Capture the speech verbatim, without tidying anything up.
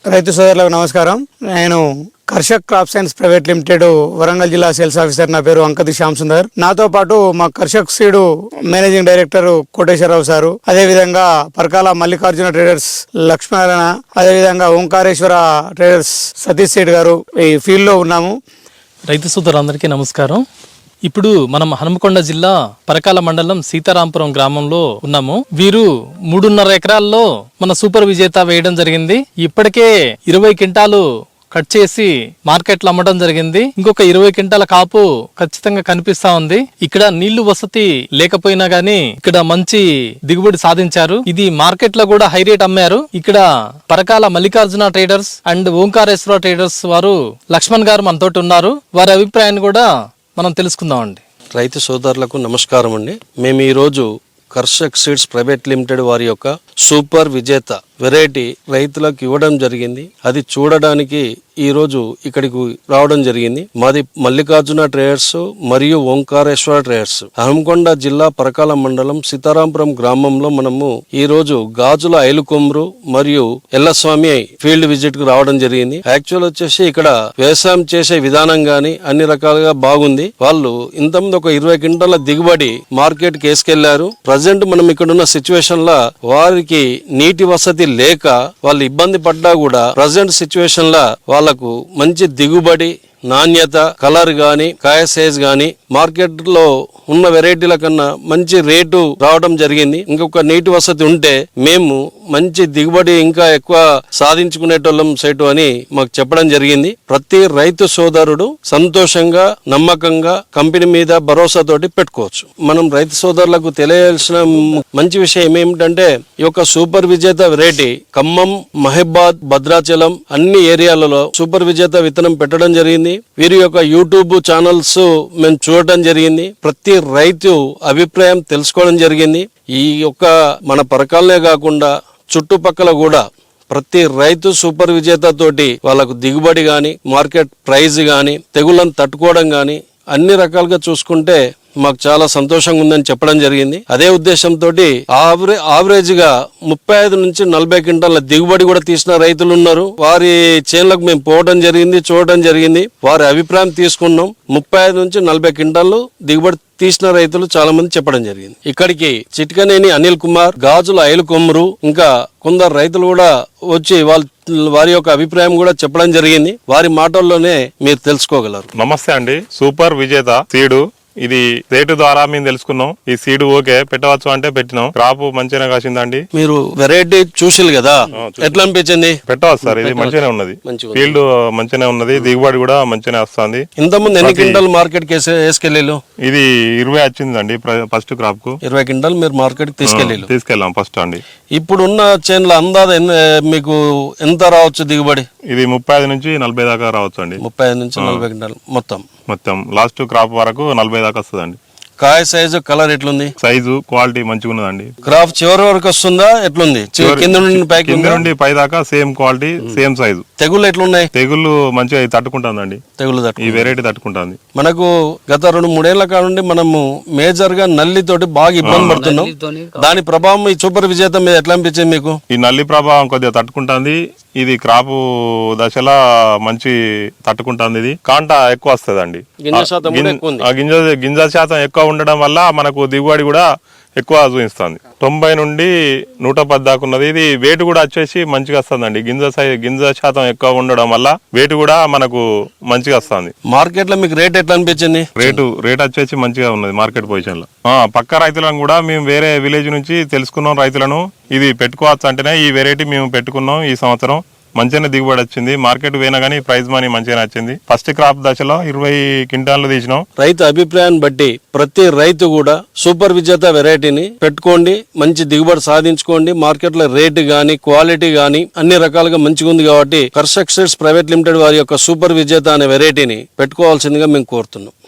రైతు సోదరులకు నమస్కారం. నేను Karshak crop science private limited Warangal జిల్లా సేల్స్ ఆఫీసర్. నా పేరు అంకతి శ్యామ్ సుందర్. నాతో పాటు మా Karshak seed managing director Koteswararao sir, అదే విధంగా పరకాల మల్లికార్జున ట్రేడర్స్ లక్ష్మీనారాయణ, అదే విధంగా ఓంకారేశ్వర ట్రేడర్స్ సతీష్ సేఠ్ గారు ఈ ఫీల్డ్ లో ఉన్నాము. రైతు సోదరులందరికీ నమస్కారం. ఇప్పుడు మనం హనుమకొండ జిల్లా పరకాల మండలం సీతారాంపురం గ్రామంలో ఉన్నాము. వీరు మూడున్నర ఎకరాల్లో మన సూపర్ విజేత వేయడం జరిగింది. ఇప్పటికే ఇరవై క్వింటాలు కట్ చేసి మార్కెట్లో అమ్మడం జరిగింది. ఇంకొక ఇరవై క్వింటాల కాపు ఖచ్చితంగా కనిపిస్తా ఉంది. ఇక్కడ నీళ్లు వసతి లేకపోయినా గానీ ఇక్కడ మంచి దిగుబడి సాధించారు. ఇది మార్కెట్ లో కూడా హై రేట్ అమ్మారు. ఇక్కడ Parakala Mallikarjuna traders and Omkareswara traders వారు లక్ష్మణ్ గారు మనతోటి ఉన్నారు. వారి అభిప్రాయాన్ని కూడా మనం తెలుసుకుందామండి. రైతు సోదరులకు నమస్కారం అండి. మేము ఈరోజు కర్షక్ సీడ్స్ ప్రైవేట్ లిమిటెడ్ వారి యొక్క సూపర్ విజేత వెరైటీ రైతులకు ఇవ్వడం జరిగింది. అది చూడడానికి ఈ రోజు ఇక్కడికి రావడం జరిగింది. మాది మల్లికార్జున ట్రేడర్స్ మరియు ఓంకారేశ్వర ట్రేడర్స్, హనుమకొండ జిల్లా పరకాల మండలం సీతారాంపురం గ్రామంలో మనము ఈ రోజు గాజుల ఐలుకొమ్రు మరియు ఎల్లస్వామి ఫీల్డ్ విజిట్ కు రావడం జరిగింది. యాక్చువల్ వచ్చేసి ఇక్కడ వ్యవసాయం చేసే విధానం గాని అన్ని రకాలుగా బాగుంది. వాళ్ళు ఇంతకుముందు ఒక ఇరవై క్వింటాల దిగుబడి మార్కెట్ కి వేసుకెళ్లారు. ప్రజెంట్ మనం ఇక్కడ ఉన్న సిచ్యువేషన్ లా వారికి నీటి వసతి లేక వాళ్ళు ఇబ్బంది పడ్డా కూడా ప్రజెంట్ సిచ్యువేషన్ లా వాళ్లకు మంచి దిగుబడి, నాణ్యత, కలర్ గాని, కాయ సైజ్ గాని మార్కెట్ లో ఉన్న వెరైటీల కన్నా మంచి రేటు రావడం జరిగింది. ఇంకొక నీటి వసతి ఉంటే మేము మంచి దిగుబడి ఇంకా ఎక్కువ సాధించుకునేటోళ్ళం సైటు అని మాకు చెప్పడం జరిగింది. ప్రతి రైతు సోదరుడు సంతోషంగా, నమ్మకంగా కంపెనీ మీద భరోసాతోటి పెట్టుకోవచ్చు. మనం రైతు సోదరులకు తెలియాల్సిన మంచి విషయం ఏమిటంటే ఈ యొక్క సూపర్ విజేత వెరైటీ ఖమ్మం, మహబాద్, భద్రాచలం అన్ని ఏరియాలలో సూపర్ విజేత విత్తనం పెట్టడం జరిగింది. వీరి యొక్క యూట్యూబ్ ఛానల్స్ మేము చూడటం జరిగింది. ప్రతి రైతు అభిప్రాయం తెలుసుకోవడం జరిగింది. ఈ యొక్క మన పరకాలనే కాకుండా చుట్టుపక్కల కూడా ప్రతి రైతు సూపర్ విజేత తోటి వాళ్ళకు దిగుబడి గాని, మార్కెట్ ప్రైస్ గాని, తెగుళ్ళను తట్టుకోవడం గాని అన్ని రకాలుగా చూసుకుంటే మాకు చాలా సంతోషంగా ఉందని చెప్పడం జరిగింది. అదే ఉద్దేశంతో ఆవరే ఆవరేజ్ గా ముప్పై ఐదు నుంచి నలభై క్వింటాల దిగుబడి కూడా తీసిన రైతులు ఉన్నారు. వారి చేనులకు మేము పోవడం జరిగింది, చూడటం జరిగింది. వారి అభిప్రాయం తీసుకున్నాం. ముప్పై ఐదు నుంచి నలభై క్వింటాలు దిగుబడి తీసిన రైతులు చాలా మంది చెప్పడం జరిగింది. ఇక్కడికి చిట్కనేని అనిల్ కుమార్, గాజుల ఐలు కొమ్రు, ఇంకా కొందరు రైతులు కూడా వచ్చి వాళ్ళ వారి యొక్క అభిప్రాయం కూడా చెప్పడం జరిగింది. వారి మాటల్లోనే మీరు తెలుసుకోగలరు. నమస్తే అండి. సూపర్ విజేత సీడు ఇది రేటు ద్వారా మేము తెలుసుకున్నాం. ఈ సీడ్ ఓకే పెట్టవచ్చు అంటే పెట్టినాం. క్రాప్ మంచిగా కాసిందండి. మీరు వెరైటీ చూసిరు కదా, ఎట్లా అనిపించింది? పెట్టవచ్చు సార్, ఇది మంచిగానే ఉన్నది. ఫీల్డ్ మంచిగానే ఉన్నది, దిగుబడి కూడా మంచిగానే వస్తుంది. ఇంతకుముందు ఎన్ని క్వింటాల్ మార్కెట్ కి వేసుకెళ్ళి? ఇది ఇరవై వచ్చిందండి ఫస్ట్ క్రాప్ కు. ఇరవై క్వింటాల్ మీరు మార్కెట్ తీసుకెళ్ళి తీసుకెళ్ళాం ఫస్ట్ అండి. ఇప్పుడున్న చేనుల అందాజ మీకు ఎంత రావచ్చు దిగుబడి? ఇది ముప్పై ఐదు నుంచి నలభై దాకా రావచ్చు అండి. ముప్పై ఐదు నుంచి నలభై క్వింటాల్ మొత్తం మొత్తం లాస్ట్ క్రాప్ వరకు నలభై దాకా వస్తుందండి. కాయ సైజు, కలర్ ఎట్లుంది? సైజు, క్వాలిటీ మంచిగా ఉన్నదండి. క్రాప్ చివరి వరకు వస్తుందా ఎట్లుంది? కింద నుండి పై కింద నుండి పై దాకా సేమ్ క్వాలిటీ, సేమ్ సైజు. తెగుళ్ళు ఎట్లున్నాయి? తెగుళ్ళు మంచిగా తట్టుకుంటుందండి. తెగులు ఈ వెరైటీ తట్టుకుంటుంది. మనకు గత రెండు మూడేళ్ల కానుండి మనము మేజర్ గా నల్లి తోటి బాగా ఇబ్బంది పడుతున్నాం. దాని ప్రభావం ఈ సూపర్ విజేత మీద ఎట్లా అనిపించింది మీకు? ఈ నల్లి ప్రభావం కొద్దిగా తట్టుకుంటుంది. ఇది క్రాపు దశలో మంచి తట్టుకుంటుంది. ఇది కాంట ఎక్కువ వస్తుంది అండి. గింజ గింజ శాతం ఎక్కువ ఉండడం వల్ల మనకు దిగుబడి కూడా ఎక్కువ చూపిస్తుంది. తొంభై నుండి నూట పది దాకా ఉన్నది. ఇది వెయిట్ కూడా వచ్చేసి మంచిగా వస్తుందండి. గింజ గింజ శాతం ఎక్కువ ఉండడం వల్ల వెయిట్ కూడా మనకు మంచిగా వస్తుంది. మార్కెట్ లో మీకు రేట్ ఎట్లా అనిపించింది? రేటు రేట్ వచ్చేసి మంచిగా ఉన్నది మార్కెట్ పొజిషన్ లో. పక్క రైతులను కూడా మేము వేరే విలేజ్ నుంచి తెలుసుకున్నాం రైతులను. ఇది పెట్టుకోవచ్చు అంటేనే ఈ వెరైటీ మేము పెట్టుకున్నాం. ఈ సంవత్సరం మంచిగానే దిగుబడి వచ్చింది. మార్కెట్ పోయినా గానీ ప్రైజ్ మనీ మంచిగానే వచ్చింది. ఫస్ట్ క్రాప్ దశలో ఇరవై క్వింటాలు తీసినాం. రైతు అభిప్రాయాన్ని బట్టి ప్రతి రైతు కూడా సూపర్ విజేత వెరైటీని పెట్టుకోండి, మంచి దిగుబడి సాధించుకోండి. మార్కెట్ లో రేటు గానీ, క్వాలిటీ గానీ అన్ని రకాలుగా మంచిగా ఉంది కాబట్టి కర్షక్ సీడ్స్ ప్రైవేట్ లిమిటెడ్ వారి యొక్క సూపర్ విజేత అనే వెరైటీని పెట్టుకోవాల్సిందిగా మేము కోరుతున్నాం.